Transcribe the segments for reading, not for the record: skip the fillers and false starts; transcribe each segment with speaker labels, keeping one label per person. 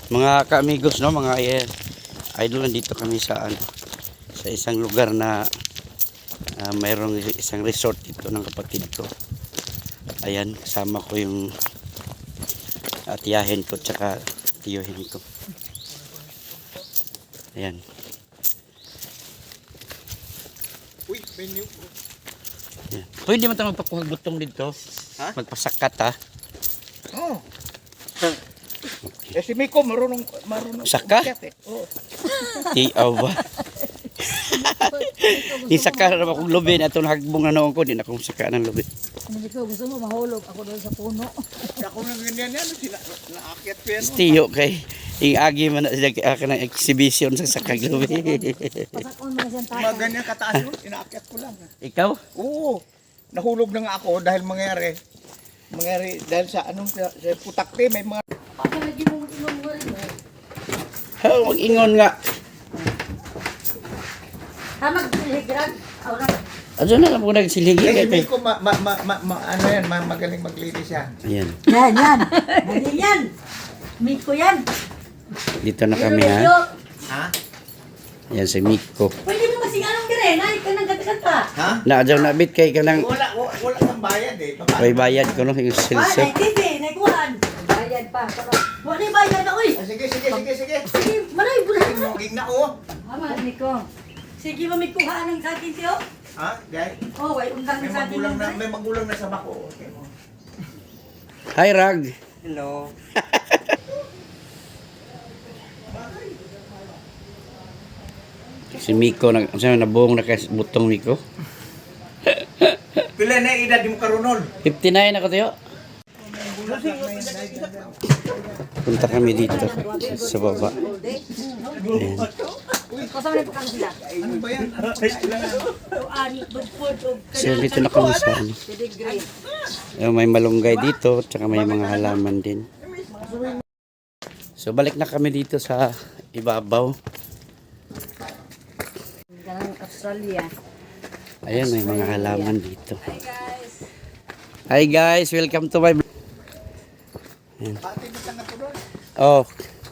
Speaker 1: Mga ka-amigos, no, mga idol, nandito kami sa sa isang lugar na mayroong isang resort dito ng kapatid ko. Ayan, kasama ko yung tiyahin ko tsaka tiyuhin ko. Ayan.
Speaker 2: Uy, menu.
Speaker 1: Ayan. Pwede mo tayo magpakuhag butong dito.
Speaker 2: Ha?
Speaker 1: Magpasakat, ha?
Speaker 2: Oh. Eh si Miko marunong
Speaker 1: Saka?
Speaker 2: umakyat, eh. Oh.
Speaker 1: Tiaw ba? Isaka na akong lubi na itong hagbong na noon ko. Di na akong saka ng lubi.
Speaker 3: Hindi ko gusto mo mahulog ako doon sa puno.
Speaker 2: Ako na ganyan yan, naakyat ko yan.
Speaker 1: Tiyo kay yung agi man na sila ka ng exhibition sa sakag lubi.
Speaker 3: Pasakon mo na siyang tayo.
Speaker 2: Mga ganyan kataas yun, inaakyat ko lang.
Speaker 1: Ikaw?
Speaker 2: Oo, nahulog na nga ako dahil mangyari dahil sa anong sa putakte may mga
Speaker 3: Pag lagi mong inom mo rin eh.
Speaker 1: Oh, mag-ingon nga.
Speaker 3: Maghigrag.
Speaker 1: Ano na lang po nagsiligi
Speaker 2: eh, si
Speaker 1: kay.
Speaker 2: Miko ano yan, magaling maglinis yan.
Speaker 1: Ayan.
Speaker 3: Yan, yan. Galing yan. Miko yan.
Speaker 1: Dito na kami, ha.
Speaker 2: Ha?
Speaker 1: Ayan si Miko.
Speaker 3: Pwede mo masinganong dire. Nay, ka nang kata-kata.
Speaker 2: Ha?
Speaker 1: Naadyaw na bit kay kanang
Speaker 2: Wala kang bayad eh.
Speaker 1: may bayad ko no yung
Speaker 3: Ah,
Speaker 1: silsip.
Speaker 3: nay, titi. Nay, kuhan. Bayad pa. Wala yung bayad na, uy.
Speaker 2: Ah, sige.
Speaker 3: Sige, manay, bulan.
Speaker 2: Tingin na oh.
Speaker 3: Tama, Miko. Sige, mamikuha ng sa akin siyo.
Speaker 2: Ha? Guys,
Speaker 3: Oh, way undang sa akin.
Speaker 2: may magulang na sa bako. Okay mo.
Speaker 1: Hi Rag.
Speaker 2: Hello.
Speaker 1: Si Miko nabuong na kay butong Miko.
Speaker 2: Pila na edad mo karunol?
Speaker 1: 59 ako tayo. Punta kami dito sa baba. Ayan.
Speaker 3: Kasama na po kami sila.
Speaker 2: Ano ba yan?
Speaker 1: So dito na kami sa ano. May malunggay dito, tsaka may mga halaman din. So balik na kami dito sa ibabaw.
Speaker 3: Ganang Australia.
Speaker 1: Ayan, may mga halaman dito. Hi guys, welcome to my vlog. Ayan. Oh.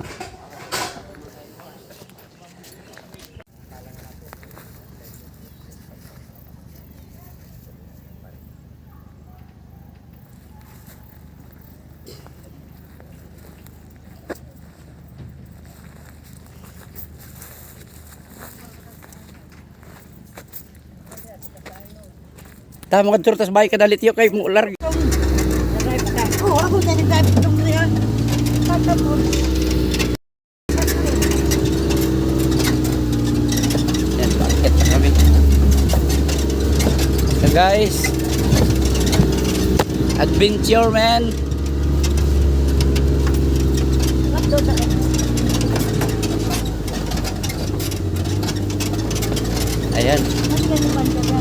Speaker 1: Tama ka turtas bahay ka dalit yo kay mo larg.
Speaker 3: Oh, ako na nag-drive itong na yan. Tatapos.
Speaker 1: Yan, bakit na kami. So guys, adventure man. Ayan.